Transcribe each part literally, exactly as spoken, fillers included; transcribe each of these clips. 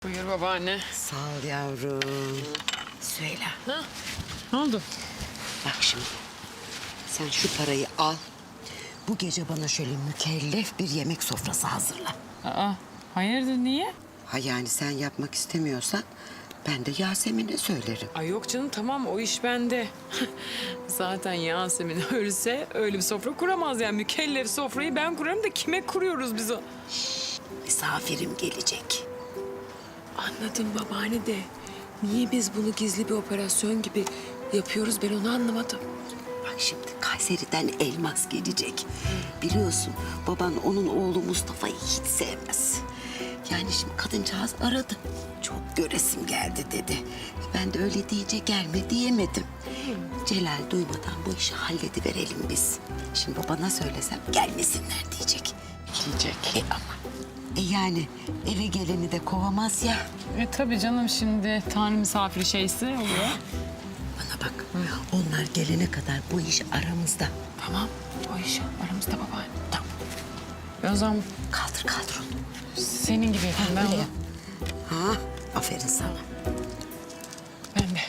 Buyur babaanne. Sağ ol yavrum. Söyle. Ha? Ne oldu? Bak şimdi. Sen şu parayı al. Bu gece bana şöyle mükellef bir yemek sofrası hazırla. Aa, hayırdır niye? Ha yani sen yapmak istemiyorsan ben de Yasemin'e söylerim. Ay yok canım tamam o iş bende. Zaten Yasemin ölse öyle bir sofra kuramaz yani. Mükellef sofrayı ben kurarım da kime kuruyoruz biz o? Misafirim gelecek. Anladım babaanne de. Niye biz bunu gizli bir operasyon gibi yapıyoruz ben onu anlamadım. Bak şimdi Kayseri'den elmas gelecek. Biliyorsun baban onun oğlu Mustafa'yı hiç sevmez. Yani şimdi kadıncağız aradı. Çok göresim geldi dedi. Ben de öyle deyince gelme diyemedim. Celal duymadan bu işi hallediverelim biz. Şimdi babana söylesem gelmesinler diyecek. Diyecek. E ama e yani eve geleni de kovamaz ya. E tabii canım şimdi tanrı misafiri şeysi oluyor. Bana bak onlar gelene kadar bu iş aramızda. Tamam o iş aramızda babaanne. Tamam. Ben o zaman Kaldır kaldır onu. senin gibi yapayım ben Öyle onu. yap. Ha, aferin sana. Ben de.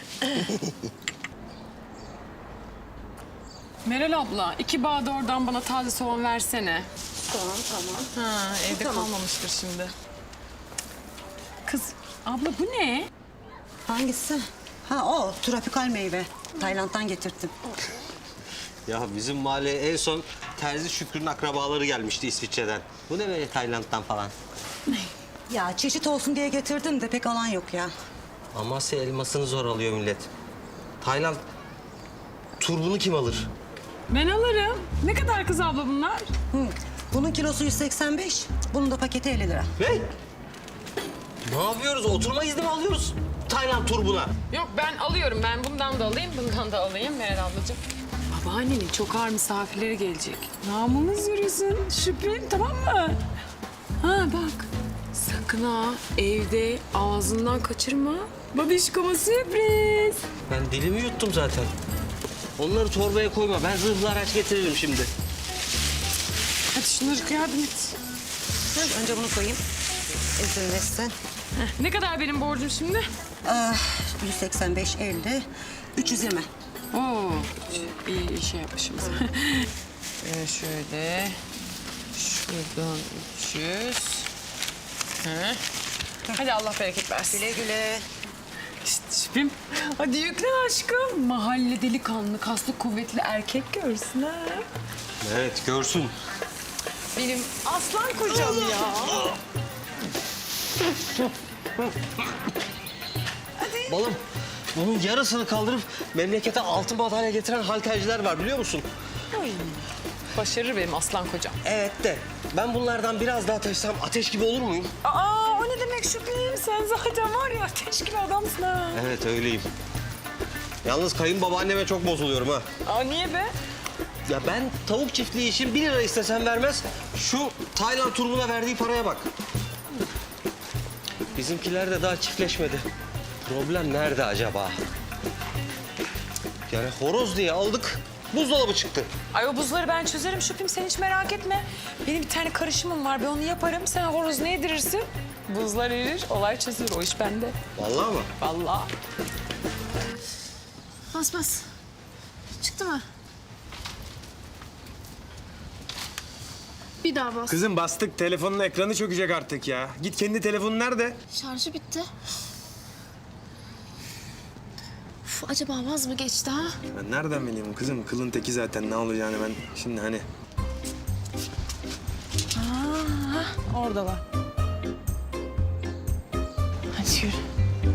Meral abla, iki bağ da oradan bana taze soğan versene. Tamam tamam. Ha, evde Tamam. kalmamıştır şimdi. Kız, abla bu ne? Hangisi? Ha o tropikal meyve. Tayland'dan getirttim. Ya bizim mahalleye en son Terzi Şükrü'nün akrabaları gelmişti İsviçre'den. Bu ne böyle Tayland'dan falan? Ya çeşit olsun diye getirdim de pek alan yok ya. Amasya elmasını zor alıyor millet. Tayland turbunu kim alır? Ben alırım. Ne kadar kız abla bunlar? Hı. Bunun kilosu yüz seksen beş, bunun da paketi elli lira. Ne? Ne yapıyoruz? Oturma izni mi alıyoruz Tayland turbuna? Yok ben alıyorum. Ben bundan da alayım, bundan da alayım Meral ablacığım. Babaannenin çok ağır misafirleri gelecek. Namımız yürüsün. Şüphem tamam mı? Ha bak. Sakın ha evde ağzından kaçırma. Babişkoma sürpriz. Ben dilimi yuttum zaten. Onları torbaya koyma. Ben zırhlı araç getiririm şimdi. Hadi şunları yardım et. Önce bunu koyayım. Ezilmesin. Heh, ne kadar benim borcum şimdi? Ah, yüz seksen beş, elli, üç yüz yirmi. Oo, iyi şey yapmışız. ee, şöyle, şuradan üç yüz. Hı. Hadi Allah bereket versin. Güle güle. İşte şüphem. Hadi yükle aşkım. Mahalle delikanlı, kaslı, kuvvetli erkek görsün ha. Evet, görsün. Benim aslan kocam ya. Balım, bunun yarısını kaldırıp memlekete altın madalya getiren halterciler var biliyor musun? Başarır benim aslan kocam. Evet de ben bunlardan biraz daha taşısam ateş gibi olur muyum? Aa, o ne demek şüphem? Sen zaten var ya ateş gibi adamsın ha. Evet öyleyim. Yalnız kayınbabaanneme çok bozuluyorum ha. Aa, niye be? Ya ben tavuk çiftliği için bir lira istesem vermez. Şu Tayland turbuna verdiği paraya bak. Bizimkiler de daha çiftleşmedi. Problem nerede acaba? Yani horoz diye aldık, buzdolabı çıktı. Ay o buzları ben çözerim şüphem sen hiç merak etme. Benim bir tane karışımım var ben onu yaparım. Sen horoz ne yedirirsin? Buzlar erir, olay çözülür. O iş bende. Vallahi mı? Vallahi. Bas bas. Çıktı mı? Bir daha bas. Kızım bastık. Telefonun ekranı çökecek artık ya. Git kendi telefonun nerede? Şarjı bitti. Uf, acaba vaz mı geçti ha? Ben nereden bileyim kızım? Kılın teki zaten ne olacağını ben şimdi hani... Orada var. Hadi yürü.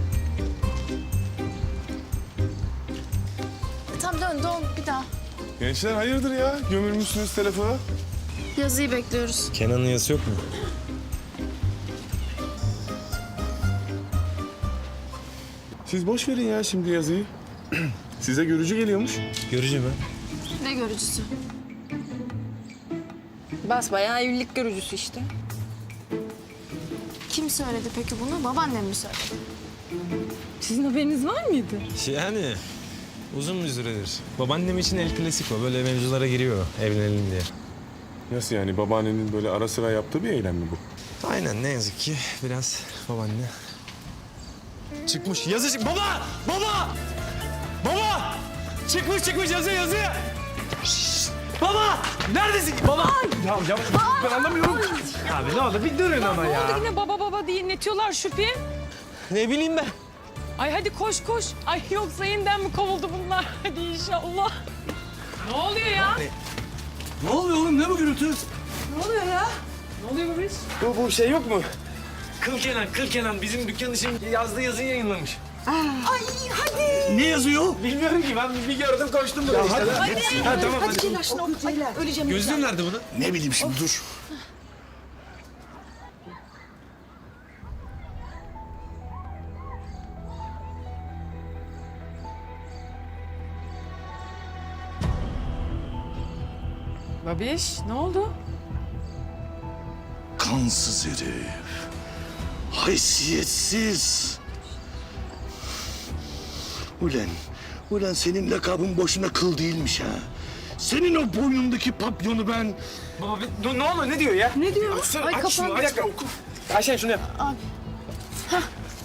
Tam dön dön bir daha. Gençler hayırdır ya? Gömülmüşsünüz telefona. Yazıyı bekliyoruz. Kenan'ın yazısı yok mu? Siz boş verin ya şimdi yazıyı. Size görücü geliyormuş. Görücü mü? Ne görücüsü? Basbayağı evlilik görücüsü işte. Kim söyledi peki bunu? Babaannem mi söyledi? Sizin haberiniz var mıydı? Yani uzun bir süredir. Babaannem için el klasiko. Böyle mevzulara giriyor evlenelim diye. Nasıl yani? Babaannenin böyle ara sıra yaptığı bir eylem mi bu? Aynen ne yazık ki biraz babaanne. Çıkmış yazı çık. Baba! Baba! Baba! Çıkmış çıkmış yazı yazı. Şşş! Baba! Neredesin? Baba! Ya ya ben anlamıyorum. Abi ne oldu? Bir durun ama Ne ya. oldu yine baba baba diye inletiyorlar Şüphi? Ne bileyim ben. Ay hadi koş koş. Ay yoksa yeniden mi kovuldu bunlar? Hadi inşallah. Ne oluyor ya? Ne oluyor oğlum? Ne bu gürültü? Ne oluyor bu iş? Bu, bu şey yok mu? Kıl Kenan, Kıl Kenan bizim dükkan için yazdığı yazıyı yayınlamış. Ne yazıyor? Bilmiyorum ki ben bir gördüm koştum buraya işte. Hadi. Ha, tamam hadi. Gözlüğün nerede bunun? Ne bileyim şimdi dur. Babiş ne oldu? Kansız herif. Haysiyetsiz. Ulan, ulan senin lakabın boşuna kıl değilmiş ha. Senin o boynundaki papyonu ben... Baba bir, ne, ne oluyor ne diyor ya? Ne diyor? Açsana, Ay, aç şunu, kapan- bir dakika oku. Ayşen şunu yap. Abi. Ha.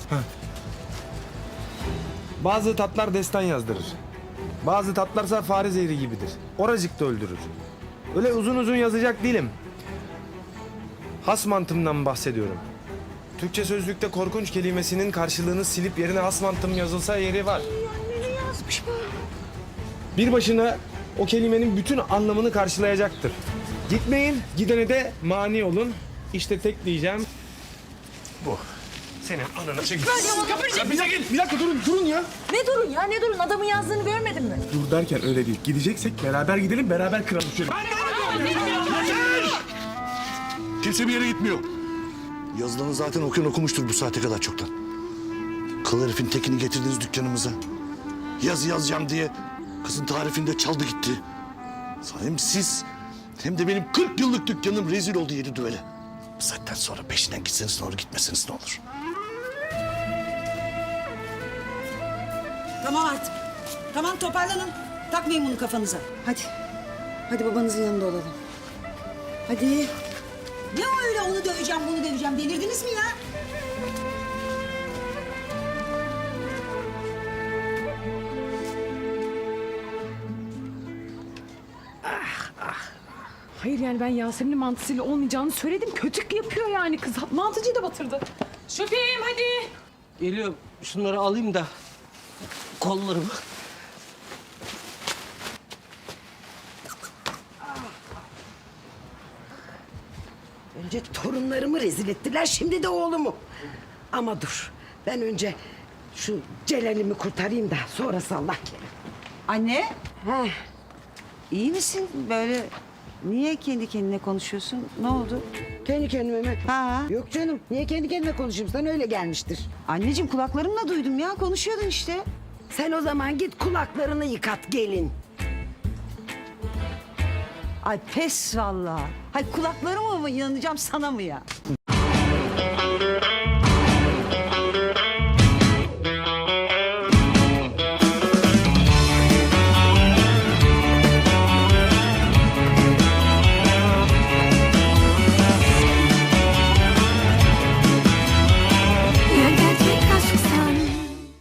Bazı tatlar destan yazdırır. Bazı tatlarsa fare zehri gibidir. Oracıkta öldürür. Öyle uzun uzun yazacak değilim. Has mantımdan bahsediyorum. Türkçe sözlükte korkunç kelimesinin karşılığını silip yerine has mantım yazılsa yeri var. Bir başına o kelimenin bütün anlamını karşılayacaktır. Gitmeyin, gidene de mani olun. İşte tek diyeceğim bu. Senin ananı çekil. Ya bize gel. Bir dakika durun, durun ya. Ne durun ya ne durun adamın yazdığını görmedin mi? Dur derken öyle değil. Gideceksek beraber gidelim, beraber kıralım şöyle. Kimse bir yere gitmiyor. Yazılanı zaten okuyan okumuştur bu saate kadar çoktan. Kıl herifin tekini getirdiniz dükkanımıza. Yazı yazacağım diye kızın tarifinde çaldı gitti. Hem siz hem de benim kırk yıllık dükkanım rezil oldu yedi düvele. Bu saatten sonra peşinden gitseniz ne olur, gitmeseniz ne olur. Tamam artık. Tamam toparlanın. Takmayın bunu kafanıza. Hadi. Hadi babanızın yanında olalım. Hadi. Ne o öyle onu döveceğim bunu döveceğim delirdiniz mi ya? Hayır yani ben Yasemin'in mantısıyla olmayacağını söyledim. Kötük yapıyor yani kız. Mantıcıyı da batırdı. Şüphim hadi. Geliyorum. Şunları alayım da kollarımı. Önce torunlarımı rezil ettiler, şimdi de oğlumu. Ama dur, ben önce şu Celal'imi kurtarayım da sonrası Allah kerim. Anne Heh, iyi misin? Böyle niye kendi kendine konuşuyorsun? Ne oldu? kendi kendime mi? Ha. Yok canım, niye kendi kendime konuşayım? Sana öyle gelmiştir. Anneciğim kulaklarımla duydum ya konuşuyordun işte. Sen o zaman git kulaklarını yıkat gelin. Ay pes vallahi. Hay kulaklarıma mı inanacağım sana mı ya?